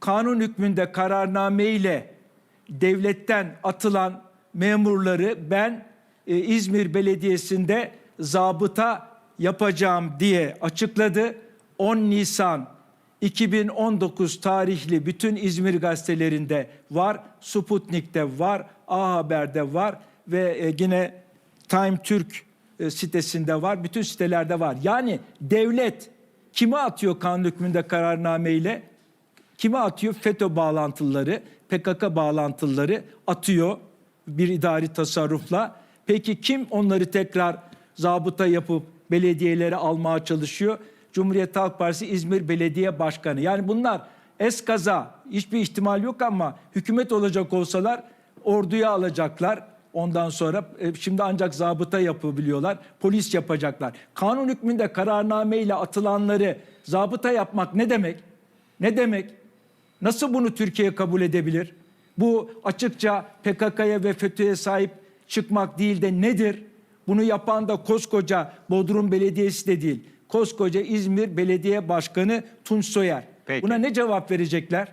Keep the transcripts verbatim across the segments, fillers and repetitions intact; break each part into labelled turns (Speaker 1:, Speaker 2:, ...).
Speaker 1: kanun hükmünde kararname ile devletten atılan memurları ben e, İzmir Belediyesi'nde zabıta yapacağım diye açıkladı. on Nisan iki bin on dokuz tarihli bütün İzmir gazetelerinde var, Sputnik'te var, A Haber'de var ve e, yine Time Türk e, sitesinde var, bütün sitelerde var. Yani devlet kime atıyor kanun hükmünde kararnameyle? Kime atıyor? FETÖ bağlantıları, P K K bağlantıları atıyor bir idari tasarrufla. Peki kim onları tekrar zabıta yapıp belediyelere almaya çalışıyor? Cumhuriyet Halk Partisi İzmir Belediye Başkanı. Yani bunlar eskaza, hiçbir ihtimal yok ama hükümet olacak olsalar orduya alacaklar. Ondan sonra şimdi ancak zabıta yapabiliyorlar, polis yapacaklar. Kanun hükmünde kararnameyle atılanları zabıta yapmak ne demek? Ne demek? Nasıl bunu Türkiye kabul edebilir? Bu açıkça P K K'ya ve FETÖ'ye sahip çıkmak değil de nedir? Bunu yapan da koskoca Bodrum Belediyesi de değil. Koskoca İzmir Belediye Başkanı Tunç Soyer.
Speaker 2: Peki.
Speaker 1: Buna ne cevap verecekler?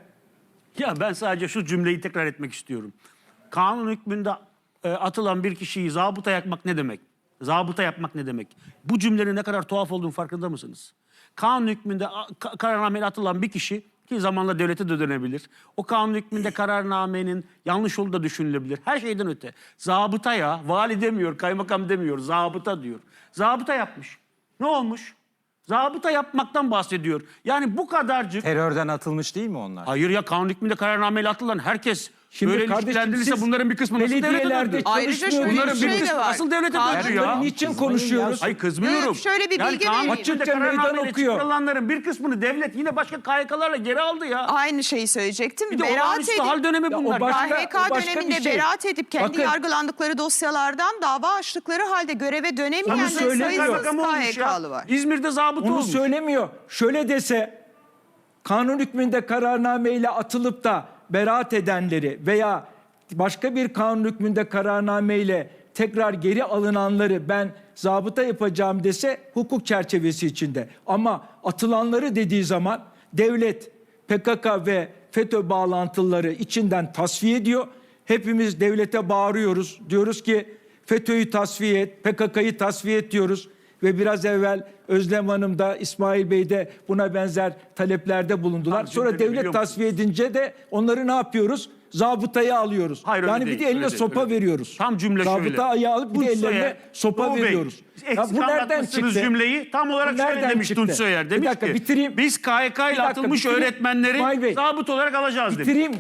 Speaker 3: Ya ben sadece şu cümleyi tekrar etmek istiyorum. Kanun hükmünde e, atılan bir kişiyi zabıta yapmak ne demek? Zabıta yapmak ne demek? Bu cümlenin ne kadar tuhaf olduğunu farkında mısınız? Kanun hükmünde ka kararnameyle atılan bir kişi ki zamanla devlete de dönebilir. O kanun hükmünde kararnamenin yanlış olduğu da düşünülebilir. Her şeyden öte. Zabıta ya, vali demiyor, kaymakam demiyor, zabıta diyor. Zabıta yapmış. Ne olmuş? Zabıta yapmaktan bahsediyor. Yani bu kadarcık...
Speaker 2: Terörden atılmış değil mi onlar?
Speaker 3: Hayır ya, kanun hükmünde kararnameyle atılan herkes
Speaker 1: Şimdi
Speaker 3: böyle
Speaker 1: kardeşim,
Speaker 3: ilişkilendirilirse
Speaker 1: siz
Speaker 3: bunların bir kısmı nasıl devlete
Speaker 1: belediyelerde
Speaker 3: döndü?
Speaker 4: Ayrıca
Speaker 1: çalışmıyor.
Speaker 4: şöyle
Speaker 3: Bunların
Speaker 4: bir
Speaker 3: bir
Speaker 4: şey de
Speaker 3: kısmı
Speaker 4: var.
Speaker 3: nasıl devlete
Speaker 4: Kanun-
Speaker 3: döndü ya?
Speaker 1: Niçin konuşuyoruz?
Speaker 3: Hayır, kızmıyorum.
Speaker 4: Evet, şöyle bir
Speaker 3: yani
Speaker 4: bilgi
Speaker 3: kanun
Speaker 4: vereyim.
Speaker 3: hükmünde
Speaker 1: Açıkça meydan
Speaker 3: kararnameyle
Speaker 1: okuyor.
Speaker 3: çıkarılanların bir kısmını devlet yine başka K Y K'larla geri aldı ya.
Speaker 4: Aynı şeyi söyleyecektim.
Speaker 3: Bir de
Speaker 4: Beraat
Speaker 3: olağanüstü
Speaker 4: edip
Speaker 3: hal dönemi
Speaker 1: Ya o
Speaker 3: bunlar.
Speaker 1: başka-
Speaker 4: K H K
Speaker 1: o başka
Speaker 4: döneminde
Speaker 1: bir şey.
Speaker 4: beraat edip kendi
Speaker 1: Bakın-
Speaker 4: yargılandıkları dosyalardan dava açtıkları halde göreve dönemeyen
Speaker 1: Bunu
Speaker 4: de
Speaker 1: söylemiyor.
Speaker 4: sayısız
Speaker 3: Kaymakam
Speaker 4: K
Speaker 3: olmuş
Speaker 4: H
Speaker 3: ya.
Speaker 4: K'lı var.
Speaker 3: İzmir'de zabıta
Speaker 1: Onu
Speaker 3: olmuş.
Speaker 1: söylemiyor. Şöyle dese kanun hükmünde kararnameyle atılıp da beraat edenleri veya başka bir kanun hükmünde kararnameyle tekrar geri alınanları ben zabıta yapacağım dese hukuk çerçevesi içinde. Ama atılanları dediği zaman devlet P K K ve FETÖ bağlantıları içinden tasfiye ediyor. Hepimiz devlete bağırıyoruz. Diyoruz ki FETÖ'yü tasfiye et, P K K'yı tasfiye et diyoruz. Ve biraz evvel Özlem Hanım da İsmail Bey de buna benzer taleplerde bulundular.
Speaker 3: Tam
Speaker 1: Sonra
Speaker 3: cümleni
Speaker 1: devlet
Speaker 3: biliyor musunuz?
Speaker 1: tasfiye edince de onları ne yapıyoruz? Zabıtaya alıyoruz.
Speaker 3: Hayır, öyle
Speaker 1: yani
Speaker 3: değil,
Speaker 1: bir de eline
Speaker 3: öyle değil,
Speaker 1: sopa
Speaker 3: öyle değil.
Speaker 1: veriyoruz.
Speaker 3: Tam cümle şöyle.
Speaker 1: Zabıta ayağı alıp bir de
Speaker 3: Tunç
Speaker 1: ellerine
Speaker 3: Soyer,
Speaker 1: sopa
Speaker 3: Doğu Bey,
Speaker 1: veriyoruz.
Speaker 3: eksik
Speaker 1: Ya bu nereden
Speaker 3: anlatmışsınız
Speaker 1: çıktı?
Speaker 3: cümleyi. Tam olarak
Speaker 1: Bu
Speaker 3: şöyle
Speaker 1: nereden
Speaker 3: demiş
Speaker 1: çıktı?
Speaker 3: Tunç Soyer.
Speaker 1: Bir
Speaker 3: Demiş
Speaker 1: dakika,
Speaker 3: ki
Speaker 1: bitireyim.
Speaker 3: biz K Y K
Speaker 1: Bir
Speaker 3: ile
Speaker 1: dakika,
Speaker 3: atılmış
Speaker 1: bitireyim.
Speaker 3: öğretmenleri
Speaker 1: İsmail Bey,
Speaker 3: zabıt olarak alacağız demiş.
Speaker 1: Bitireyim.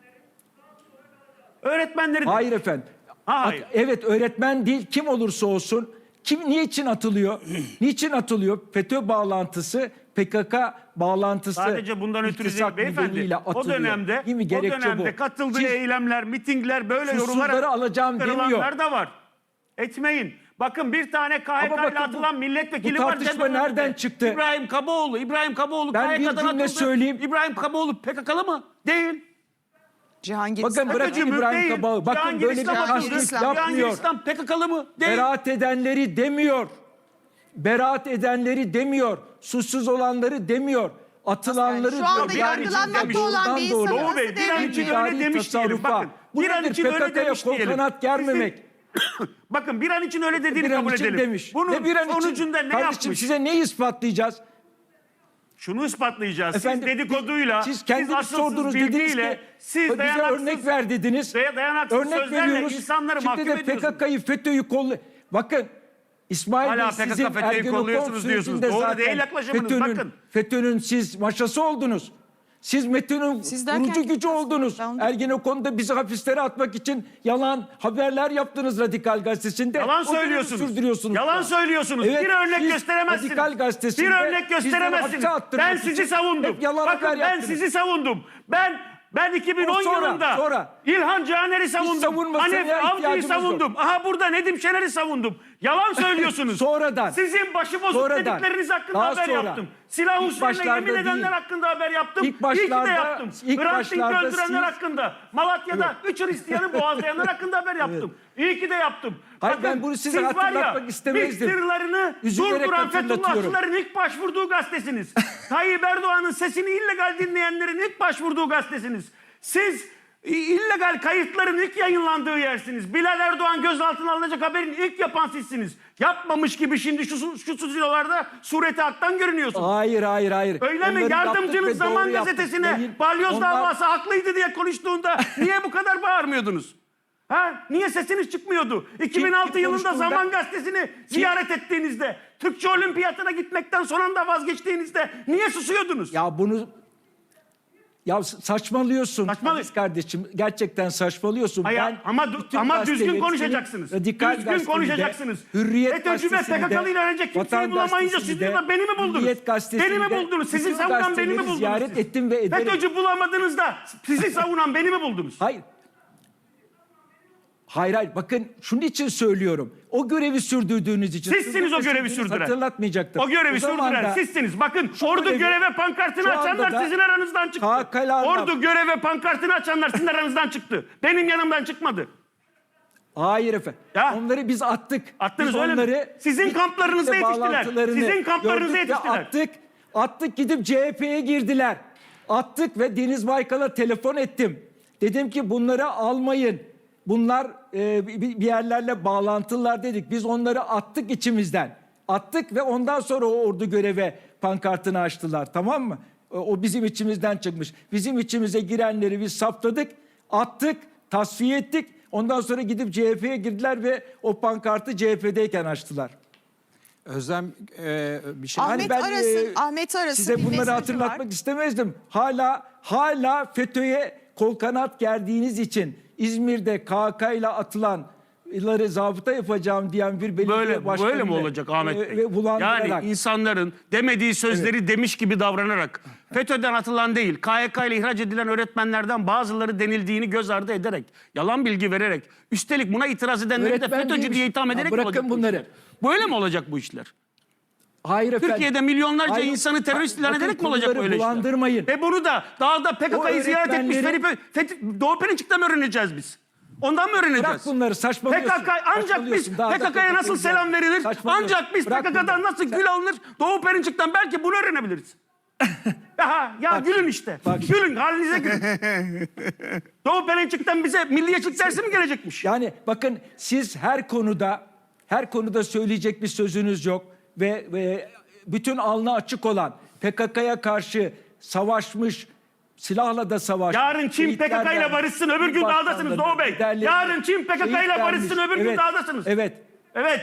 Speaker 3: Öğretmenleri
Speaker 1: Hayır efendim.
Speaker 3: Ha, hayır.
Speaker 1: At- evet öğretmen değil, kim olursa olsun. Kim niçin atılıyor? Niçin atılıyor? FETÖ bağlantısı, P K K bağlantısı.
Speaker 3: Sadece bundan ötürü değil
Speaker 1: iltisak
Speaker 3: beyefendi.
Speaker 1: nedeniyle
Speaker 3: O
Speaker 1: atılıyor.
Speaker 3: dönemde,
Speaker 1: Değil mi?
Speaker 3: o
Speaker 1: Gerekçe
Speaker 3: dönemde
Speaker 1: bu.
Speaker 3: katıldığı
Speaker 1: Siz
Speaker 3: eylemler, mitingler böyle
Speaker 1: suçsuzları
Speaker 3: yorumlara
Speaker 1: alacağım
Speaker 3: çıkarılanlar
Speaker 1: demiyor.
Speaker 3: da var. Etmeyin. Bakın bir tane K Y
Speaker 1: Ama
Speaker 3: K ile
Speaker 1: bakın bu-
Speaker 3: atılan milletvekili
Speaker 1: bu
Speaker 3: var.
Speaker 1: tartışma
Speaker 3: Cebelle'de.
Speaker 1: nereden çıktı?
Speaker 3: İbrahim Kaboğlu. İbrahim Kaboğlu
Speaker 1: Ben
Speaker 3: K Y K'dan
Speaker 1: bir cümle
Speaker 3: atıldı.
Speaker 1: söyleyeyim.
Speaker 3: İbrahim Kaboğlu P K K'lı mı? Değil.
Speaker 4: Cihangir
Speaker 1: Bakın
Speaker 4: İslam-
Speaker 1: bırakın
Speaker 3: FETÖ'cü mü?
Speaker 1: İbrahim
Speaker 3: Değil.
Speaker 1: Kabağı. Bakın
Speaker 3: Cihangir
Speaker 1: böyle bir
Speaker 3: İslam
Speaker 4: Cihangir
Speaker 1: tasdik
Speaker 4: İslam.
Speaker 3: Cihangir
Speaker 1: yapmıyor.
Speaker 3: İslam P K K'lı mı? Değil.
Speaker 1: Beraat edenleri demiyor. Beraat edenleri demiyor. Suçsuz olanları demiyor. Atılanları
Speaker 4: Şu anda
Speaker 1: diyor.
Speaker 4: yargılanmakta olan bir
Speaker 1: Doğrudan doğru.
Speaker 4: insanı
Speaker 3: Doğu Bey,
Speaker 4: nasıl
Speaker 3: bir an
Speaker 4: devlet
Speaker 3: için
Speaker 4: biliyor?
Speaker 3: öyle demiş diyelim.
Speaker 1: tasarrufa.
Speaker 3: Bakın.
Speaker 1: Bu
Speaker 3: Bir an
Speaker 1: nedir?
Speaker 3: için öyle
Speaker 1: P K K'ya
Speaker 3: demiş
Speaker 1: kol
Speaker 3: diyelim.
Speaker 1: kanat germemek.
Speaker 3: Bakın bir an için öyle dediğini
Speaker 1: Bir an
Speaker 3: kabul
Speaker 1: için
Speaker 3: edelim.
Speaker 1: demiş.
Speaker 3: Bunun
Speaker 1: Ve bir an için-
Speaker 3: sonucunda ne
Speaker 1: Kardeşim
Speaker 3: yapmış?
Speaker 1: size neyi ispatlayacağız?
Speaker 3: Şunu ispatlayacağız.
Speaker 1: Efendim,
Speaker 3: siz dedikoduyla,
Speaker 1: siz kendiniz
Speaker 3: asılsız
Speaker 1: sordunuz dediniz
Speaker 3: bilgiyle,
Speaker 1: ki
Speaker 3: siz
Speaker 1: bize
Speaker 3: dayanaksız,
Speaker 1: örnek ver dediniz.
Speaker 3: day- dayanaksız
Speaker 1: Örnek
Speaker 3: sözlerle
Speaker 1: veriyoruz.
Speaker 3: insanları mahkum
Speaker 1: Şimdi de P
Speaker 3: ediyorsunuz.
Speaker 1: K K'yı FETÖ'yü kollu. Bakın İsmail
Speaker 3: Hala
Speaker 1: Bey
Speaker 3: P K K
Speaker 1: sizin
Speaker 3: FETÖ'yü
Speaker 1: Ergenekon
Speaker 3: kolluyorsunuz diyorsunuz.
Speaker 1: sürecinde
Speaker 3: Doğru
Speaker 1: zaten
Speaker 3: değil yaklaşımınız,
Speaker 1: FETÖ'nün,
Speaker 3: bakın.
Speaker 1: FETÖ'nün siz maşası oldunuz. Siz METÖ'nün
Speaker 4: Siz derken
Speaker 1: kurucu gücü
Speaker 4: kim
Speaker 1: oldunuz.
Speaker 4: Ben onu-
Speaker 1: Ergenekon'da bizi hapislere atmak için yalan haberler yaptınız Radikal Gazetesi'nde.
Speaker 3: Yalan
Speaker 1: O dönemi
Speaker 3: söylüyorsunuz.
Speaker 1: sürdürüyorsunuz.
Speaker 3: Yalan söylüyorsunuz.
Speaker 1: Evet,
Speaker 3: bir örnek
Speaker 1: siz
Speaker 3: gösteremezsiniz.
Speaker 1: Radikal Gazetesi'nde
Speaker 3: Bir örnek
Speaker 1: bizleri
Speaker 3: gösteremezsiniz.
Speaker 1: hapse attırmak
Speaker 3: Ben sizi
Speaker 1: için
Speaker 3: savundum.
Speaker 1: hep yalan
Speaker 3: Bakın
Speaker 1: haber
Speaker 3: ben
Speaker 1: yaptınız.
Speaker 3: sizi savundum. Ben ben iki bin on
Speaker 1: O sonra,
Speaker 3: yılında
Speaker 1: sonra.
Speaker 3: İlhan Caner'i savundum.
Speaker 1: savunmasına
Speaker 3: Hanif Avcı'yı
Speaker 1: ihtiyacımız yok.
Speaker 3: savundum. Aha burada Nedim Şener'i savundum. Yalan söylüyorsunuz.
Speaker 1: Sonradan.
Speaker 3: Sizin başıbozuk
Speaker 1: Sonradan.
Speaker 3: dedikleriniz hakkında
Speaker 1: Daha
Speaker 3: haber
Speaker 1: sonra.
Speaker 3: yaptım. Silah
Speaker 1: İlk
Speaker 3: usulüne
Speaker 1: başlarda
Speaker 3: yemin edenler
Speaker 1: değil.
Speaker 3: hakkında haber yaptım.
Speaker 1: İlk
Speaker 3: İyi ki
Speaker 1: başlarda-
Speaker 3: de yaptım.
Speaker 1: ilk
Speaker 3: Hrant Dink'i
Speaker 1: başlarda
Speaker 3: öldürenler
Speaker 1: siz-
Speaker 3: hakkında, Malatya'da üç Hristiyan'ı boğazlayanlar hakkında haber yaptım. İyi ki de yaptım.
Speaker 1: Hayır,
Speaker 3: Bakın,
Speaker 1: ben bunu size
Speaker 3: siz var ya,
Speaker 1: hatırlatmak istemezdim.
Speaker 3: MİT tırlarını
Speaker 1: Üzülerek
Speaker 3: durduran
Speaker 1: hatırlatıyorum.
Speaker 3: Fethullahçıların ilk başvurduğu gazetesiniz. Tayyip Erdoğan'ın sesini illegal dinleyenlerin ilk başvurduğu gazetesiniz. Siz i- illegal kayıtların ilk yayınlandığı yersiniz. Bilal Erdoğan gözaltına alınacak haberin ilk yapan sizsiniz. Yapmamış gibi şimdi şu, şu stüdyolarda sureti haktan görünüyorsunuz.
Speaker 1: Hayır hayır hayır.
Speaker 3: Öyle mi?
Speaker 1: Onları yaptık
Speaker 3: Yardımcınız
Speaker 1: ve
Speaker 3: Zaman
Speaker 1: doğru yaptık.
Speaker 3: Gazetesi'ne
Speaker 1: Yayın-
Speaker 3: balyoz
Speaker 1: onlar-
Speaker 3: davası haklıydı diye konuştuğunda niye bu kadar bağırmıyordunuz? Ha? Niye sesiniz çıkmıyordu? iki bin altı
Speaker 1: kim
Speaker 3: yılında
Speaker 1: konuştuğunda-
Speaker 3: Zaman Gazetesi'ni ziyaret ettiğinizde, Türkçe Olimpiyatına gitmekten son anda vazgeçtiğinizde niye susuyordunuz?
Speaker 1: Ya bunu ya saçmalıyorsun.
Speaker 3: Saçmalı-
Speaker 1: Aziz kardeşim, gerçekten saçmalıyorsun.
Speaker 3: Hayır,
Speaker 1: Ben
Speaker 3: ama du-
Speaker 1: bütün
Speaker 3: ama düzgün
Speaker 1: gazeteleri,
Speaker 3: konuşacaksınız.
Speaker 1: senin Radikal
Speaker 3: Düzgün
Speaker 1: Gazetesi'nde,
Speaker 3: konuşacaksınız.
Speaker 1: Hürriyet
Speaker 3: FETÖ'cü ve
Speaker 1: Gazetesi'nde,
Speaker 3: P K K'lı ile aranacak kimseyi
Speaker 1: Vatan
Speaker 3: bulamayınca siz
Speaker 1: Gazetesi'nde,
Speaker 3: de beni mi buldunuz?
Speaker 1: Hürriyet Gazetesi'nde,
Speaker 3: Beni mi buldunuz? Sizi
Speaker 1: bütün
Speaker 3: savunan beni mi
Speaker 1: gazeteleri
Speaker 3: buldunuz?
Speaker 1: ziyaret
Speaker 3: siz?
Speaker 1: ettim ve ederim.
Speaker 3: FETÖ'cü bulamadığınızda sizi savunan beni mi buldunuz?
Speaker 1: Hayır. Hayır hayır, bakın şunun için söylüyorum. O görevi sürdürdüğünüz için.
Speaker 3: Sizsiniz o görevi
Speaker 1: Sürdürdüğünüz
Speaker 3: sürdüren.
Speaker 1: Hatırlatmayacaktım.
Speaker 3: O görevi
Speaker 1: zaman
Speaker 3: sürdüren
Speaker 1: da-
Speaker 3: sizsiniz. Bakın
Speaker 1: Şu
Speaker 3: ordu
Speaker 1: görevi-
Speaker 3: göreve pankartını
Speaker 1: şu anda
Speaker 3: açanlar
Speaker 1: da
Speaker 3: sizin aranızdan çıktı.
Speaker 1: K K L'larla-
Speaker 3: Ordu göreve pankartını açanlar sizin aranızdan çıktı. Benim yanımdan çıkmadı.
Speaker 1: Hayır efendim.
Speaker 3: Ya.
Speaker 1: Onları biz attık.
Speaker 3: Attınız
Speaker 1: biz
Speaker 3: öyle mi?
Speaker 1: onları
Speaker 3: Sizin kamplarınızda
Speaker 1: kitle
Speaker 3: yetiştiler.
Speaker 1: bağlantılarını
Speaker 3: Sizin kamplarınızda
Speaker 1: gördük ve
Speaker 3: yetiştiler.
Speaker 1: Attık. Attık, gidip C H P'ye girdiler. Attık ve Deniz Baykal'a telefon ettim. Dedim ki bunları almayın. Bunlar e, bir bir yerlerle bağlantılılar dedik. Biz onları attık içimizden. Attık ve ondan sonra o ordu göreve pankartını açtılar, tamam mı? O, o bizim içimizden çıkmış. Bizim içimize girenleri biz saptadık, attık, tasfiye ettik. Ondan sonra gidip C H P'ye girdiler ve o pankartı C H P'deyken açtılar.
Speaker 2: Özlem e, bir şey...
Speaker 4: Ahmet Aras'ın- Ahmet Aras'ın bir
Speaker 1: size bunları
Speaker 4: mesajı
Speaker 1: hatırlatmak
Speaker 4: var.
Speaker 1: istemezdim. Hala hala FETÖ'ye kol kanat gerdiğiniz için İzmir'de K K ile atılanları zabıta yapacağım diyen bir belediye
Speaker 3: Böyle
Speaker 1: başkanı
Speaker 3: böyle mi olacak Ahmet Bey?
Speaker 1: Ve bulandırarak.
Speaker 3: Yani insanların demediği sözleri demiş gibi davranarak, FETÖ'den atılan değil, K Y K ile ihraç edilen öğretmenlerden bazıları denildiğini göz ardı ederek, yalan bilgi vererek, üstelik buna itiraz edenleri de
Speaker 1: Öğretmen
Speaker 3: FETÖ'cü
Speaker 1: değilmiş.
Speaker 3: diye itham
Speaker 1: Ya
Speaker 3: ederek mi
Speaker 1: bırakın
Speaker 3: olacak bu
Speaker 1: bunları.
Speaker 3: işler? Böyle mi olacak bu işler?
Speaker 1: Hayır efendim.
Speaker 3: Türkiye'de milyonlarca
Speaker 1: Hayır,
Speaker 3: insanı terörist ilan
Speaker 1: bakın
Speaker 3: ederek mi olacak
Speaker 1: konuları
Speaker 3: böyle işler?
Speaker 1: bulandırmayın.
Speaker 3: Ve bunu da dağda P K K'yı
Speaker 1: O
Speaker 3: ziyaret etmiş
Speaker 1: öğretmenlerin-
Speaker 3: Fethi, Fethi, Doğu Perinçek'ten mi öğreneceğiz biz? Ondan mı öğreneceğiz?
Speaker 1: Bırak bunları, saçmalıyorsun.
Speaker 3: P K K ancak biz
Speaker 1: Saçmalıyorsun. Daha da
Speaker 3: P K K'ya nasıl
Speaker 1: kapatılacak.
Speaker 3: selam verilir?
Speaker 1: Saçmalıyorsun.
Speaker 3: Ancak biz
Speaker 1: Bırak
Speaker 3: P K K'dan
Speaker 1: bunları.
Speaker 3: nasıl
Speaker 1: Sen-
Speaker 3: gül alınır? Doğu Perinçek'ten belki bunu öğrenebiliriz. ya ya
Speaker 1: Bak,
Speaker 3: gülün işte.
Speaker 1: bak.
Speaker 3: Gülün, halinize gülün. Doğu Perinçek'ten bize milliyetçilik dersi mi gelecekmiş?
Speaker 1: Yani bakın, siz her konuda her konuda söyleyecek bir sözünüz yok ve, ve bütün alnı açık olan, P K K'ya karşı savaşmış, silahla da savaşmış.
Speaker 3: Yarın Çin P K K ile
Speaker 1: şehitler
Speaker 3: barışsın,
Speaker 1: vermiş,
Speaker 3: öbür gün
Speaker 1: başkanları,
Speaker 3: dağdasınız Doğu Bey.
Speaker 1: liderleri,
Speaker 3: Yarın Çin P K K ile
Speaker 1: şehit
Speaker 3: barışsın,
Speaker 1: vermiş.
Speaker 3: öbür gün
Speaker 1: Evet,
Speaker 3: dağdasınız.
Speaker 1: Evet.
Speaker 3: Evet.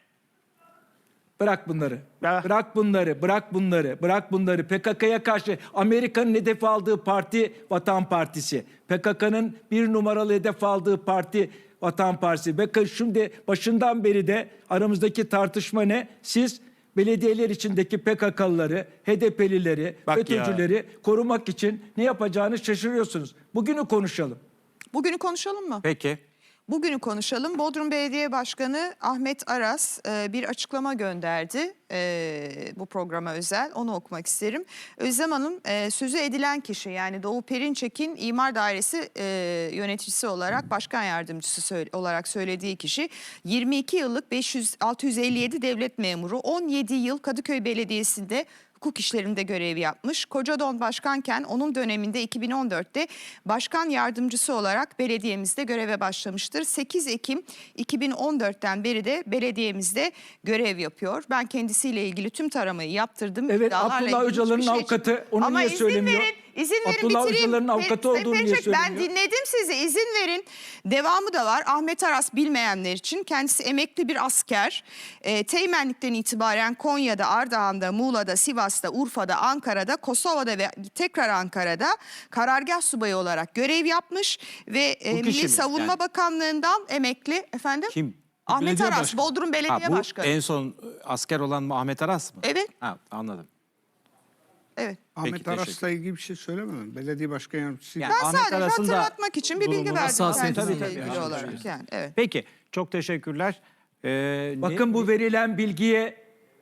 Speaker 1: Bırak bunları.
Speaker 3: Ya.
Speaker 1: Bırak bunları, bırak bunları, bırak bunları. P K K'ya karşı Amerika'nın hedef aldığı parti Vatan Partisi. P K K'nın bir numaralı hedef aldığı parti Vatan Partisi. Bakın şimdi başından beri de aramızdaki tartışma ne? Siz belediyeler içindeki P K K'lıları, H D P'lileri,
Speaker 3: Bak
Speaker 1: FETÖ'cüleri korumak için ne yapacağını şaşırıyorsunuz. Bugünü konuşalım.
Speaker 4: Bugünü konuşalım mı?
Speaker 2: Peki.
Speaker 4: Bugünü konuşalım. Bodrum Belediye Başkanı Ahmet Aras e, bir açıklama gönderdi e, bu programa özel. Onu okumak isterim. Özlem Hanım e, sözü edilen kişi, yani Doğu Perinçek'in İmar Dairesi e, yöneticisi olarak, başkan yardımcısı söyle, olarak söylediği kişi yirmi iki yıllık beş yüz altı yüz elli yedi devlet memuru, on yedi yıl Kadıköy Belediyesi'nde hukuk işlerinde görev yapmış. Kocadon başkanken onun döneminde iki bin on dörtte başkan yardımcısı olarak belediyemizde göreve başlamıştır. sekiz Ekim iki bin on dörtten beri de belediyemizde görev yapıyor. Ben kendisiyle ilgili tüm taramayı yaptırdım.
Speaker 1: Evet,
Speaker 4: İddialarla
Speaker 1: Abdullah
Speaker 4: ilgili
Speaker 1: Öcalan'ın
Speaker 4: hiçbir şey
Speaker 1: avukatı,
Speaker 4: çıkmadı.
Speaker 1: onu
Speaker 4: Ama
Speaker 1: niye
Speaker 4: izin
Speaker 1: söylemiyor?
Speaker 4: verin, izin verin
Speaker 1: Abdullah
Speaker 4: bitireyim.
Speaker 1: Öcalan'ın avukatı
Speaker 4: Sayın
Speaker 1: olduğunu niye
Speaker 4: Perinçek, ben
Speaker 1: söylemiyor?
Speaker 4: dinledim sizi, izin verin. Devamı da var. Ahmet Aras, bilmeyenler için, kendisi emekli bir asker. E, Teğmenlikten itibaren Konya'da, Ardahan'da, Muğla'da, Sivas'ta, Urfa'da, Ankara'da, Kosova'da ve tekrar Ankara'da karargah subayı olarak görev yapmış ve e,
Speaker 2: Bu kişi
Speaker 4: Milli
Speaker 2: mi?
Speaker 4: Savunma
Speaker 2: Yani-
Speaker 4: Bakanlığı'ndan emekli. Efendim?
Speaker 2: Kim?
Speaker 4: Ahmet
Speaker 2: Belediye
Speaker 4: Aras,
Speaker 2: başkanı.
Speaker 4: Bodrum Belediye
Speaker 2: Ha, bu
Speaker 4: Başkanı.
Speaker 2: en son asker olan mı, Ahmet Aras mı?
Speaker 4: Evet,
Speaker 2: Ha, anladım.
Speaker 4: evet.
Speaker 2: Peki,
Speaker 5: Ahmet Aras'la ilgili bir şey söylemedim. Belediye başkan yardımcısı.
Speaker 2: Yani
Speaker 4: Ben
Speaker 2: Ahmet
Speaker 4: sadece
Speaker 2: Aras'ın da
Speaker 4: hatırlatmak için bir bilgi
Speaker 2: durumu
Speaker 4: verdim
Speaker 2: hassasiyeti
Speaker 4: kendisiyle
Speaker 2: tabii, tabii.
Speaker 4: ilgili olarak. Yani, evet.
Speaker 2: Peki, çok teşekkürler. Ee, ne-
Speaker 1: Bakın bu verilen bilgiye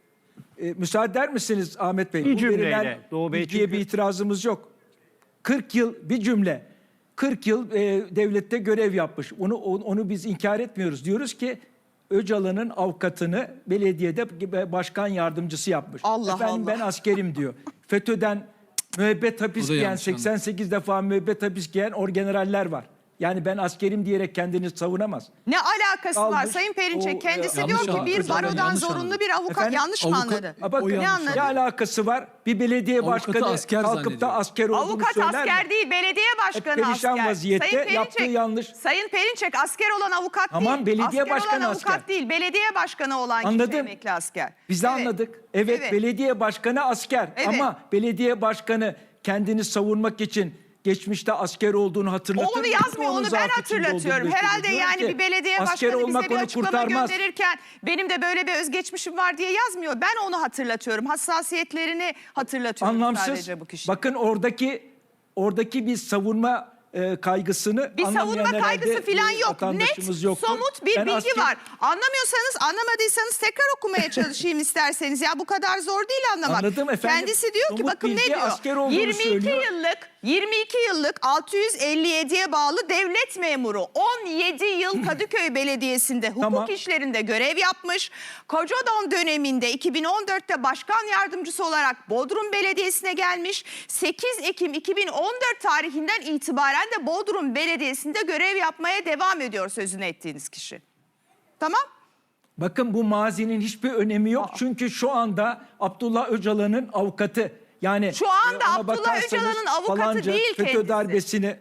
Speaker 1: e, müsaade eder misiniz Ahmet Bey?
Speaker 3: Bir
Speaker 1: bu
Speaker 3: cümleyle,
Speaker 1: verilen
Speaker 3: Doğu Bey
Speaker 1: bilgiye
Speaker 3: çünkü-
Speaker 1: bir itirazımız yok. kırk yıl bir cümle. kırk yıl e, devlette görev yapmış. Onu onu biz inkar etmiyoruz. Diyoruz ki Öcalan'ın avukatını belediyede başkan yardımcısı yapmış.
Speaker 4: Allah
Speaker 1: Efendim
Speaker 4: Allah.
Speaker 1: ben askerim diyor. FETÖ'den müebbet hapis
Speaker 6: O da
Speaker 1: giyen,
Speaker 6: yanlış anladı.
Speaker 1: seksen sekiz defa müebbet hapis giyen orgeneraller var. Yani ben askerim diyerek kendini savunamaz.
Speaker 4: Ne alakası var
Speaker 1: Almış,
Speaker 4: Sayın Perinçek?
Speaker 1: o,
Speaker 4: Kendisi
Speaker 6: e,
Speaker 4: diyor
Speaker 6: yanlış
Speaker 4: ki
Speaker 6: anladı.
Speaker 4: bir
Speaker 6: Öcalan
Speaker 4: barodan
Speaker 6: yanlış
Speaker 4: zorunlu
Speaker 6: anladı.
Speaker 4: bir avukat.
Speaker 1: Efendim?
Speaker 4: Yanlış mı
Speaker 6: Avukat-
Speaker 4: anladı?
Speaker 1: Ha bakın
Speaker 6: O
Speaker 4: ne
Speaker 6: yanlış
Speaker 4: anladı?
Speaker 1: ne alakası var? Bir belediye
Speaker 6: Avukatı
Speaker 1: başkanı
Speaker 6: asker
Speaker 1: kalkıp da
Speaker 6: zannediyor.
Speaker 1: asker olduğunu
Speaker 4: Avukat
Speaker 1: söyler mi?
Speaker 4: asker değil, belediye başkanı
Speaker 1: perişan
Speaker 4: asker.
Speaker 1: vaziyette,
Speaker 4: Sayın
Speaker 1: yaptığı
Speaker 4: Perinçek,
Speaker 1: yanlış.
Speaker 4: Sayın Perinçek asker olan avukat
Speaker 1: Tamam,
Speaker 4: değil.
Speaker 1: belediye
Speaker 4: asker
Speaker 1: başkanı
Speaker 4: olan avukat
Speaker 1: asker.
Speaker 4: değil, belediye başkanı olan
Speaker 1: Anladım.
Speaker 4: kişi emekli asker.
Speaker 1: Biz de
Speaker 4: Evet.
Speaker 1: anladık. Evet,
Speaker 4: Evet.
Speaker 1: belediye başkanı asker
Speaker 4: Evet.
Speaker 1: ama belediye başkanı kendini savunmak için geçmişte asker olduğunu hatırlatır
Speaker 4: O onu
Speaker 1: mı?
Speaker 4: yazmıyor,
Speaker 1: Onun
Speaker 4: onu ben
Speaker 1: zaafı içinde
Speaker 4: hatırlatıyorum.
Speaker 1: olduğunu
Speaker 4: Herhalde
Speaker 1: gösteriyor.
Speaker 4: yani
Speaker 1: Diyor
Speaker 4: bir
Speaker 1: ki,
Speaker 4: belediye
Speaker 1: asker
Speaker 4: başkanı
Speaker 1: olmak
Speaker 4: bize bir
Speaker 1: onu
Speaker 4: açıklama
Speaker 1: kurtarmaz.
Speaker 4: gönderirken benim de böyle bir özgeçmişim var diye yazmıyor. Ben onu hatırlatıyorum. Hassasiyetlerini hatırlatıyorum
Speaker 1: Anlamsız.
Speaker 4: sadece bu kişi.
Speaker 1: Bakın oradaki oradaki bir savunma e, kaygısını
Speaker 4: Bir
Speaker 1: anlamayan
Speaker 4: savunma
Speaker 1: herhalde
Speaker 4: kaygısı falan
Speaker 1: bir
Speaker 4: yok.
Speaker 1: vatandaşımız
Speaker 4: Net,
Speaker 1: yoktur.
Speaker 4: somut bir
Speaker 1: Ben
Speaker 4: bilgi
Speaker 1: asker-
Speaker 4: var. Anlamıyorsanız, anlamadıysanız tekrar okumaya çalışayım isterseniz. Ya bu kadar zor değil anlamak.
Speaker 1: Anladım efendim.
Speaker 4: Kendisi diyor ki
Speaker 1: Somut
Speaker 4: bakın ne
Speaker 1: bilgi,
Speaker 4: diyor?
Speaker 1: asker olduğunu
Speaker 4: yirmi iki
Speaker 1: söylüyor.
Speaker 4: yıllık yirmi iki yıllık altı yüz elli yediye bağlı devlet memuru on yedi yıl Kadıköy Belediyesi'nde hukuk
Speaker 1: Tamam.
Speaker 4: işlerinde görev yapmış. Kocadon döneminde iki bin on dörtte başkan yardımcısı olarak Bodrum Belediyesi'ne gelmiş. sekiz Ekim iki bin on dört tarihinden itibaren de Bodrum Belediyesi'nde görev yapmaya devam ediyor sözünü ettiğiniz kişi. Tamam?
Speaker 1: Bakın bu mazinin hiçbir önemi yok.
Speaker 4: Aa.
Speaker 1: Çünkü şu anda Abdullah Öcalan'ın avukatı. Yani
Speaker 4: Şu anda
Speaker 1: e, ona
Speaker 4: Abdullah
Speaker 1: bakarsanız
Speaker 4: Öcalan'ın avukatı
Speaker 1: falanca
Speaker 4: değil
Speaker 1: FETÖ
Speaker 4: kendisi.
Speaker 1: darbesini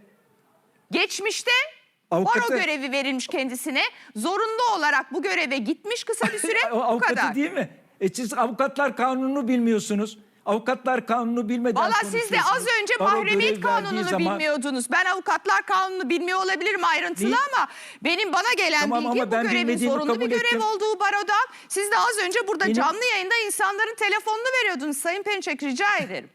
Speaker 4: Geçmişte
Speaker 1: Avukatı-
Speaker 4: baro görevi verilmiş kendisine. Zorunlu olarak bu göreve gitmiş kısa bir süre.
Speaker 1: o
Speaker 4: bu
Speaker 1: avukatı
Speaker 4: kadar.
Speaker 1: değil mi? E siz avukatlar kanununu bilmiyorsunuz. Avukatlar kanunu bilmeden
Speaker 4: Valla siz de az
Speaker 1: konuşuyorsunuz.
Speaker 4: önce
Speaker 1: Baro
Speaker 4: mahremiyet
Speaker 1: görev verdiği
Speaker 4: kanununu
Speaker 1: zaman-
Speaker 4: bilmiyordunuz. Ben avukatlar kanununu bilmiyor olabilirim ayrıntılı
Speaker 1: Değil.
Speaker 4: ama benim bana gelen
Speaker 1: Tamam
Speaker 4: bilgi
Speaker 1: ama
Speaker 4: bu
Speaker 1: ben
Speaker 4: görevin
Speaker 1: bilmediğimi
Speaker 4: zorunlu bir
Speaker 1: kabul
Speaker 4: görev
Speaker 1: ettim.
Speaker 4: olduğu barodan. Siz de az önce burada
Speaker 1: Benim-
Speaker 4: canlı yayında insanların telefonunu veriyordunuz Sayın Perinçek, rica ederim.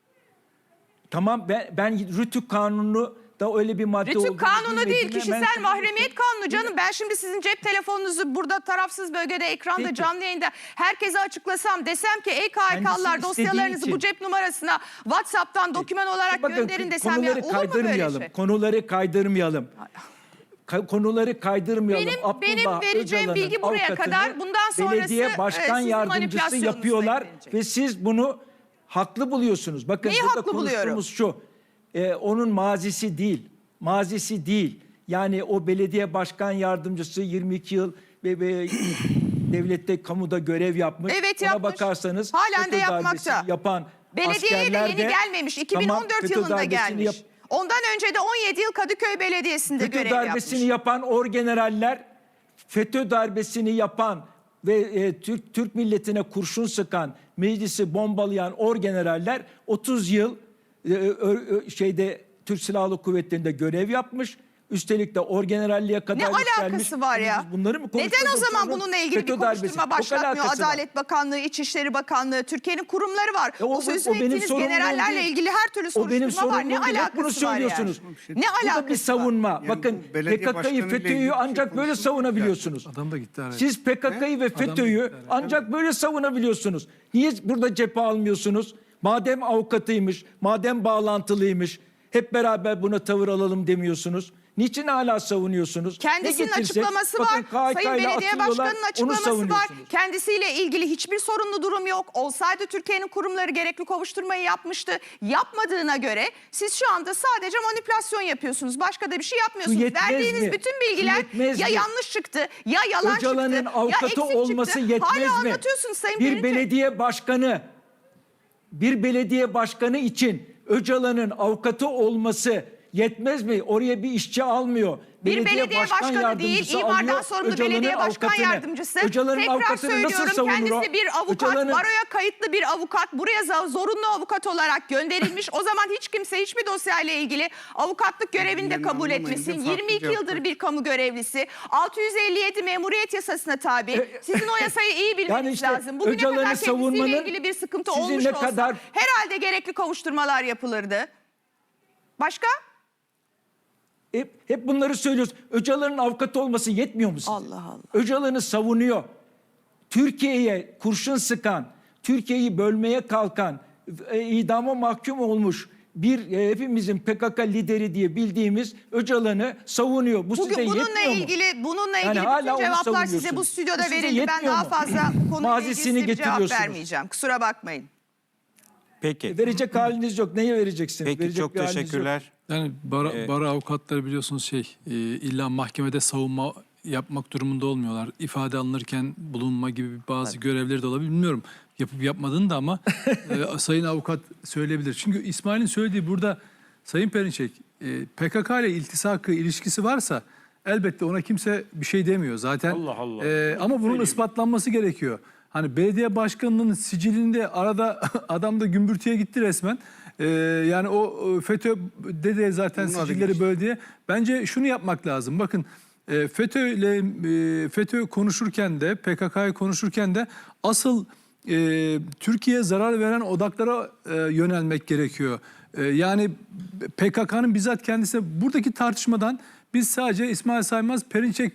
Speaker 1: Tamam ben, ben Rütük kanunu da öyle bir madde olduğunu
Speaker 4: Rütük kanunu değil,
Speaker 1: bilmediğimi
Speaker 4: kişisel
Speaker 1: hemen kabul
Speaker 4: mahremiyet
Speaker 1: ettim.
Speaker 4: kanunu canım. Ben şimdi sizin cep telefonunuzu burada tarafsız bölgede ekranda
Speaker 1: Peki.
Speaker 4: canlı yayında herkese açıklasam, desem ki ey K H K'lılar
Speaker 1: Kendisi istediği
Speaker 4: dosyalarınızı
Speaker 1: için.
Speaker 4: bu cep numarasına WhatsApp'tan doküman olarak
Speaker 1: Bakın,
Speaker 4: gönderin desem ya,
Speaker 1: konuları
Speaker 4: olur mu böyle
Speaker 1: kaydırmayalım.
Speaker 4: şey?
Speaker 1: Konuları kaydırmayalım. Ka- konuları kaydırmayalım.
Speaker 4: Benim-
Speaker 1: Abdullah
Speaker 4: benim vereceğim
Speaker 1: Öcalan'ın
Speaker 4: bilgi buraya
Speaker 1: avukatını
Speaker 4: kadar. Bundan sonrası,
Speaker 1: belediye
Speaker 4: e,
Speaker 1: başkan
Speaker 4: sizin
Speaker 1: yardımcısı
Speaker 4: manipülasyonunuz
Speaker 1: yapıyorlar
Speaker 4: Sayın Perinçek.
Speaker 1: ve siz bunu haklı buluyorsunuz. Bakın
Speaker 4: Neyi
Speaker 1: burada
Speaker 4: haklı buluyorum?
Speaker 1: konuştuğumuz şu. e, onun mazisi değil. Mazisi değil. Yani o belediye başkan yardımcısı yirmi iki yıl ve, ve devlette kamuda görev yapmış.
Speaker 4: Evet,
Speaker 1: Ona
Speaker 4: yapmış.
Speaker 1: bakarsanız
Speaker 4: Halen de
Speaker 1: FETÖ
Speaker 4: yapmakta.
Speaker 1: darbesini yapan
Speaker 4: Belediyeye de
Speaker 1: askerler
Speaker 4: yeni
Speaker 1: de-
Speaker 4: gelmemiş. iki bin on dört
Speaker 1: Tamam, FETÖ
Speaker 4: yılında
Speaker 1: darbesini
Speaker 4: gelmiş.
Speaker 1: yap-
Speaker 4: Ondan önce de on yedi yıl Kadıköy Belediyesi'nde
Speaker 1: FETÖ
Speaker 4: görev
Speaker 1: darbesini
Speaker 4: yapmış.
Speaker 1: yapan orgeneraller, FETÖ darbesini yapan ve e, Türk Türk milletine kurşun sıkan, meclisi bombalayan orgeneraller otuz yıl e, ö- ö- şeyde Türk Silahlı Kuvvetleri'nde görev yapmış. Üstelik de orgeneralliğe kadar
Speaker 4: Ne
Speaker 1: yükselmiş.
Speaker 4: alakası var ya?
Speaker 1: Biz bunları mı
Speaker 4: Neden o
Speaker 1: konuşuyoruz?
Speaker 4: zaman
Speaker 1: Sonra
Speaker 4: bununla ilgili
Speaker 1: FETÖ
Speaker 4: bir
Speaker 1: darbesi.
Speaker 4: konuşturma
Speaker 1: Çok
Speaker 4: başlatmıyor?
Speaker 1: alakası var.
Speaker 4: Adalet Bakanlığı, İçişleri Bakanlığı, Türkiye'nin kurumları var.
Speaker 1: E,
Speaker 4: o,
Speaker 1: o-
Speaker 4: sözünü
Speaker 1: o benim
Speaker 4: ettiğiniz
Speaker 1: sorumluluğum
Speaker 4: generallerle
Speaker 1: değil.
Speaker 4: ilgili her türlü
Speaker 1: O benim
Speaker 4: soruşturma var.
Speaker 1: sorumluluğum
Speaker 4: Ne
Speaker 1: değil. Hep bunu
Speaker 4: alakası var
Speaker 1: söylüyorsunuz.
Speaker 4: yani? Ne
Speaker 1: Bu da
Speaker 4: alakası
Speaker 1: bir savunma.
Speaker 5: Yani
Speaker 1: Bakın
Speaker 5: bu belediye
Speaker 1: P K K'yı,
Speaker 5: başkanıyla ilgili
Speaker 1: FETÖ'yü
Speaker 5: bir şey
Speaker 1: ancak böyle
Speaker 5: konuşulmuş
Speaker 1: savunabiliyorsunuz.
Speaker 6: Adam da gitti araya.
Speaker 1: Siz P K K'yı ve
Speaker 6: Adam
Speaker 1: FETÖ'yü
Speaker 6: gitti araya.
Speaker 1: ancak böyle savunabiliyorsunuz. Niye burada cephe almıyorsunuz? Madem avukatıymış, madem bağlantılıymış, hep beraber buna tavır alalım demiyorsunuz. Niçin hala savunuyorsunuz?
Speaker 4: Kendisinin
Speaker 1: Ne getirsek,
Speaker 4: açıklaması
Speaker 1: bakın
Speaker 4: var.
Speaker 1: K H K
Speaker 4: Sayın
Speaker 1: ile
Speaker 4: Belediye
Speaker 1: atıyorlar,
Speaker 4: Başkanı'nın
Speaker 1: onu
Speaker 4: açıklaması var.
Speaker 1: savunuyorsunuz.
Speaker 4: Kendisiyle ilgili hiçbir sorunlu durum yok. Olsaydı Türkiye'nin kurumları gerekli kovuşturmayı yapmıştı. Yapmadığına göre siz şu anda sadece manipülasyon yapıyorsunuz. Başka da bir şey yapmıyorsunuz.
Speaker 1: Şu yetmez
Speaker 4: Verdiğiniz
Speaker 1: mi?
Speaker 4: bütün
Speaker 1: Şu
Speaker 4: bilgiler
Speaker 1: yetmez
Speaker 4: ya
Speaker 1: mi?
Speaker 4: yanlış çıktı, ya yalan
Speaker 1: Öcalan'ın
Speaker 4: çıktı, ya
Speaker 1: avukatı
Speaker 4: eksik
Speaker 1: olması
Speaker 4: çıktı.
Speaker 1: yetmez
Speaker 4: Hala
Speaker 1: mi?
Speaker 4: anlatıyorsunuz Sayın
Speaker 1: Bir
Speaker 4: Perinçek.
Speaker 1: belediye başkanı, bir belediye başkanı için Öcalan'ın avukatı olması yetmez mi? Oraya bir işçi almıyor.
Speaker 4: Bir belediye başkanı değil,
Speaker 1: yardımcısı
Speaker 4: imardan
Speaker 1: alıyor
Speaker 4: sorumlu
Speaker 1: Öcalan'ın
Speaker 4: belediye başkan
Speaker 1: avukatını.
Speaker 4: yardımcısı.
Speaker 1: Öcalan'ın
Speaker 4: Tekrar
Speaker 1: avukatını nasıl
Speaker 4: söylüyorum,
Speaker 1: savunur o?
Speaker 4: kendisi bir avukat,
Speaker 1: Öcalan'ın-
Speaker 4: baroya kayıtlı bir avukat. Buraya za- zorunlu avukat olarak gönderilmiş. O zaman hiç kimse hiçbir dosyayla ilgili avukatlık görevini de
Speaker 5: Birbirlerini
Speaker 4: kabul
Speaker 5: anlamayınca
Speaker 4: etmesin.
Speaker 5: farklı
Speaker 4: yirmi iki
Speaker 5: cevaplar.
Speaker 4: yıldır bir kamu görevlisi. altı yüz elli yedi Memuriyet Yasasına tabi.
Speaker 1: E,
Speaker 4: Sizin o yasayı iyi bilmeniz
Speaker 1: Yani işte
Speaker 4: lazım. Bugüne
Speaker 1: Öcalan'ı
Speaker 4: kadar kendisiyle
Speaker 1: savunmanın
Speaker 4: ilgili bir sıkıntı
Speaker 1: sizi
Speaker 4: olmuş
Speaker 1: ne
Speaker 4: olsa
Speaker 1: kadar-
Speaker 4: herhalde gerekli kovuşturmalar yapılırdı. Başka?
Speaker 1: Hep, hep bunları söylüyoruz. Öcalan'ın avukatı olması yetmiyor mu size?
Speaker 4: Allah Allah.
Speaker 1: Öcalan'ı savunuyor. Türkiye'ye kurşun sıkan, Türkiye'yi bölmeye kalkan, e, idama mahkum olmuş bir e, hepimizin P K K lideri diye bildiğimiz Öcalan'ı savunuyor. Bu size
Speaker 4: Bugün bununla
Speaker 1: yetmiyor mu?
Speaker 4: ilgili bununla
Speaker 1: Yani
Speaker 4: ilgili
Speaker 1: hala
Speaker 4: bütün
Speaker 1: onu
Speaker 4: cevaplar size bu
Speaker 1: savunuyorsunuz.
Speaker 4: stüdyoda
Speaker 1: Bu size
Speaker 4: verildi. Ben
Speaker 1: yetmiyor
Speaker 4: daha
Speaker 1: mu?
Speaker 4: fazla konuyla ilgili
Speaker 1: Mazisini
Speaker 4: size bir cevap
Speaker 1: getiriyorsunuz.
Speaker 4: vermeyeceğim. Kusura bakmayın.
Speaker 2: Peki.
Speaker 1: Verecek haliniz yok. Neye vereceksiniz?
Speaker 2: Peki
Speaker 1: Verecek
Speaker 2: çok
Speaker 1: bir haliniz yok.
Speaker 2: teşekkürler.
Speaker 6: Yani bara,
Speaker 2: Ee,
Speaker 6: bara avukatları biliyorsunuz şey e, illa mahkemede savunma yapmak durumunda olmuyorlar. İfade alınırken bulunma gibi bazı görevleri de olabilir. Bilmiyorum yapıp yapmadığını da ama e, sayın avukat söyleyebilir. Çünkü İsmail'in söylediği burada Sayın Perinçek e, P K K ile iltisakı ilişkisi varsa elbette ona kimse bir şey demiyor zaten.
Speaker 3: Allah Allah.
Speaker 6: E, ama bunun
Speaker 3: Söyleyeyim.
Speaker 6: ispatlanması gerekiyor. Hani belediye başkanının sicilinde arada adam da gümbürtüye gitti resmen. Ee, yani o e, FETÖ'de de zaten
Speaker 5: Bunun adı
Speaker 6: sicilleri
Speaker 5: geçti.
Speaker 6: böldiye. Bence şunu yapmak lazım. Bakın e, FETÖ ile e, FETÖ konuşurken de P K K'yı konuşurken de asıl e, Türkiye'ye zarar veren odaklara e, yönelmek gerekiyor. E, yani P K K'nın bizzat kendisi buradaki tartışmadan biz sadece İsmail Saymaz Perinçek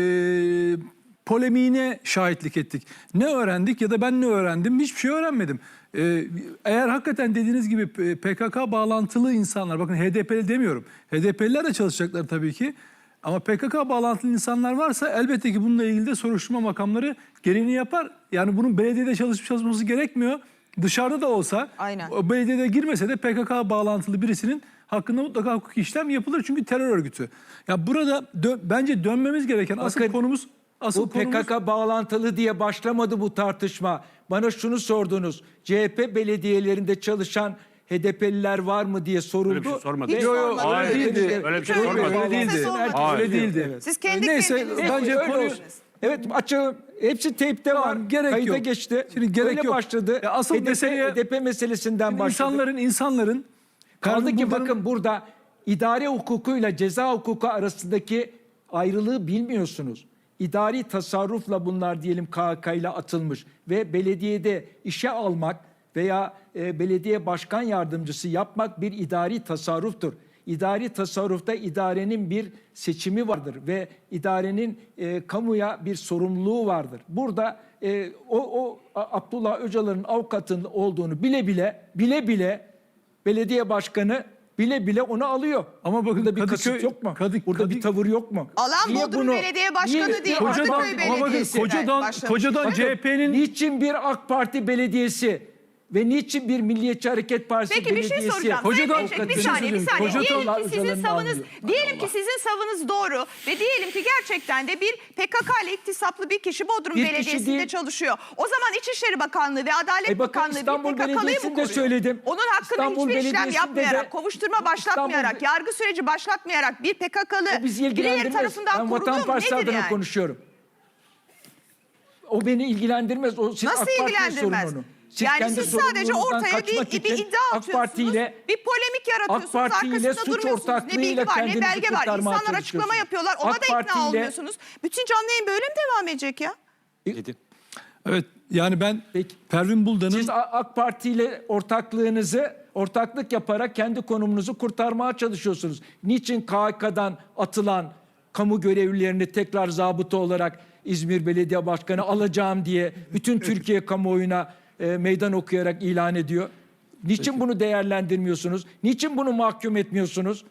Speaker 6: e, polemiğine şahitlik ettik. Ne öğrendik ya da ben ne öğrendim? Hiçbir şey öğrenmedim. Ee, eğer hakikaten dediğiniz gibi P K K bağlantılı insanlar, bakın H D P'li demiyorum. H D P'liler de çalışacaklar tabii ki. Ama P K K bağlantılı insanlar varsa elbette ki bununla ilgili de soruşturma makamları gereğini yapar. Yani bunun belediyede çalışıp çalışması gerekmiyor. Dışarıda da olsa,
Speaker 4: Aynen.
Speaker 6: o belediyede girmese de P K K bağlantılı birisinin hakkında mutlaka hukuki işlem yapılır. Çünkü terör örgütü. Ya burada dö- bence dönmemiz gereken asıl
Speaker 1: Bakın,
Speaker 6: konumuz asıl
Speaker 1: Bu P
Speaker 6: konumuz
Speaker 1: K K bağlantılı diye başlamadı bu tartışma. Bana şunu sordunuz. C H P belediyelerinde çalışan H D P'liler var mı diye soruldu.
Speaker 3: Öyle bir şey sormadım.
Speaker 4: Hiç
Speaker 6: Yo, yo,
Speaker 4: sormadım.
Speaker 6: öyle
Speaker 3: Hayır,
Speaker 6: değildi.
Speaker 3: öyle bir şey
Speaker 4: Hiç
Speaker 3: sormadım.
Speaker 6: Öyle değildi.
Speaker 4: Kimse sormadı.
Speaker 6: Öyle
Speaker 3: Hayır.
Speaker 6: değildi.
Speaker 4: Siz kendi
Speaker 6: Neyse
Speaker 4: kendinize
Speaker 6: bence
Speaker 1: Öyle
Speaker 6: konuyu
Speaker 1: olsun. Evet açığım. Hepsi teypte var.
Speaker 6: Tamam, gerek
Speaker 1: Kayıta
Speaker 6: yok.
Speaker 1: geçti.
Speaker 6: Şimdi gerek
Speaker 1: Öyle
Speaker 6: yok.
Speaker 1: başladı.
Speaker 6: Ya asıl
Speaker 1: H D P,
Speaker 6: meseleye-
Speaker 1: H D P meselesinden başladı.
Speaker 6: insanların insanların
Speaker 1: Kaldı ki
Speaker 6: bunların-
Speaker 1: bakın burada idare hukukuyla ceza hukuku arasındaki ayrılığı bilmiyorsunuz. İdari tasarrufla bunlar diyelim K H K ile atılmış ve belediyede işe almak veya e, belediye başkan yardımcısı yapmak bir idari tasarruftur. İdari tasarrufta idarenin bir seçimi vardır ve idarenin e, kamuya bir sorumluluğu vardır. Burada e, o, o A- Abdullah Öcalan'ın avukatının olduğunu bile bile bile bile belediye başkanı bile bile onu alıyor.
Speaker 6: Ama bakın
Speaker 1: burada bir
Speaker 6: Kadıköy-
Speaker 1: kasıt yok mu?
Speaker 6: Kadı-
Speaker 1: burada
Speaker 6: Kadı-
Speaker 1: bir tavır yok mu?
Speaker 4: Alan Bodrum Belediye Başkanı değil,
Speaker 6: Kocadan,
Speaker 4: Kadıköy
Speaker 6: ama bakın
Speaker 4: Belediyesi'nden
Speaker 6: kocadan,
Speaker 4: başlamış.
Speaker 6: kocadan
Speaker 1: Bakın,
Speaker 6: C H P'nin
Speaker 1: niçin bir AK Parti belediyesi ve niçin bir Milliyetçi Hareket Partisi
Speaker 4: Peki bir
Speaker 1: belediyesi?
Speaker 4: şey soracağım.
Speaker 6: Kocadan-
Speaker 4: Sayın Perinçek, bir
Speaker 1: avukatını
Speaker 4: saniye bir
Speaker 1: söyleyeyim.
Speaker 4: saniye.
Speaker 6: Kocadan-
Speaker 4: Diyelim ki sizin
Speaker 1: Öcalan'ın
Speaker 4: savınız,
Speaker 1: almıyor.
Speaker 4: diyelim ki sizin savınız doğru ve diyelim ki gerçekten de bir P K K ile iktisaplı bir kişi Bodrum
Speaker 1: Bir kişi
Speaker 4: Belediyesi'nde
Speaker 1: değil.
Speaker 4: çalışıyor. O zaman İçişleri Bakanlığı ve Adalet
Speaker 1: E bakın
Speaker 4: Bakanlığı
Speaker 1: İstanbul
Speaker 4: bir P K K'lıyı mı
Speaker 1: Belediyesi'nde
Speaker 4: koruyor?
Speaker 1: söyledim.
Speaker 4: Onun hakkında
Speaker 1: İstanbul
Speaker 4: hiçbir işlem
Speaker 1: Belediyesi'nde
Speaker 4: yapmayarak,
Speaker 1: de-
Speaker 4: kovuşturma başlatmayarak,
Speaker 1: İstanbul-
Speaker 4: yargı süreci başlatmayarak bir P K K'lı
Speaker 1: O bizi
Speaker 4: birileri
Speaker 1: ilgilendirmez.
Speaker 4: tarafından
Speaker 1: Ben
Speaker 4: korunduğu
Speaker 1: Vatan
Speaker 4: mu
Speaker 1: Partisi
Speaker 4: nedir
Speaker 1: adına
Speaker 4: yani?
Speaker 1: konuşuyorum. O beni ilgilendirmez. O siz
Speaker 4: Nasıl
Speaker 1: AK Parti'ye
Speaker 4: ilgilendirmez?
Speaker 1: sorun onu. Siz
Speaker 4: Yani
Speaker 1: kendi
Speaker 4: siz sadece
Speaker 1: sorumluluğunuzdan
Speaker 4: ortaya bir,
Speaker 1: kaçmak
Speaker 4: bir
Speaker 1: için
Speaker 4: iddia
Speaker 1: AK
Speaker 4: atıyorsunuz,
Speaker 1: Parti ile
Speaker 4: bir polemik yaratıyorsunuz,
Speaker 1: AK Parti ile
Speaker 4: arkasında
Speaker 1: suç
Speaker 4: durmuyorsunuz. Ne
Speaker 1: ortaklığıyla
Speaker 4: bilgi var, ne
Speaker 1: kendinizi
Speaker 4: belge var.
Speaker 1: kurtarmaya
Speaker 4: İnsanlar açıklama
Speaker 1: çalışıyorsunuz.
Speaker 4: yapıyorlar, ona
Speaker 1: AK
Speaker 4: da
Speaker 1: Parti
Speaker 4: ikna
Speaker 1: ile-
Speaker 4: olmuyorsunuz. Bütün canlı yayın böyle mi devam edecek ya?
Speaker 2: Dedi.
Speaker 6: evet yani ben
Speaker 1: Peki.
Speaker 6: Pervin Buldan'ın
Speaker 1: Siz A- AK Parti ile ortaklığınızı ortaklık yaparak kendi konumunuzu kurtarmaya çalışıyorsunuz. Niçin K H K'dan atılan kamu görevlilerini tekrar zabıta olarak İzmir Belediye Başkanı alacağım diye bütün Türkiye kamuoyuna e, meydan okuyarak ilan ediyor? Niçin bunu değerlendirmiyorsunuz? Niçin bunu mahkum etmiyorsunuz?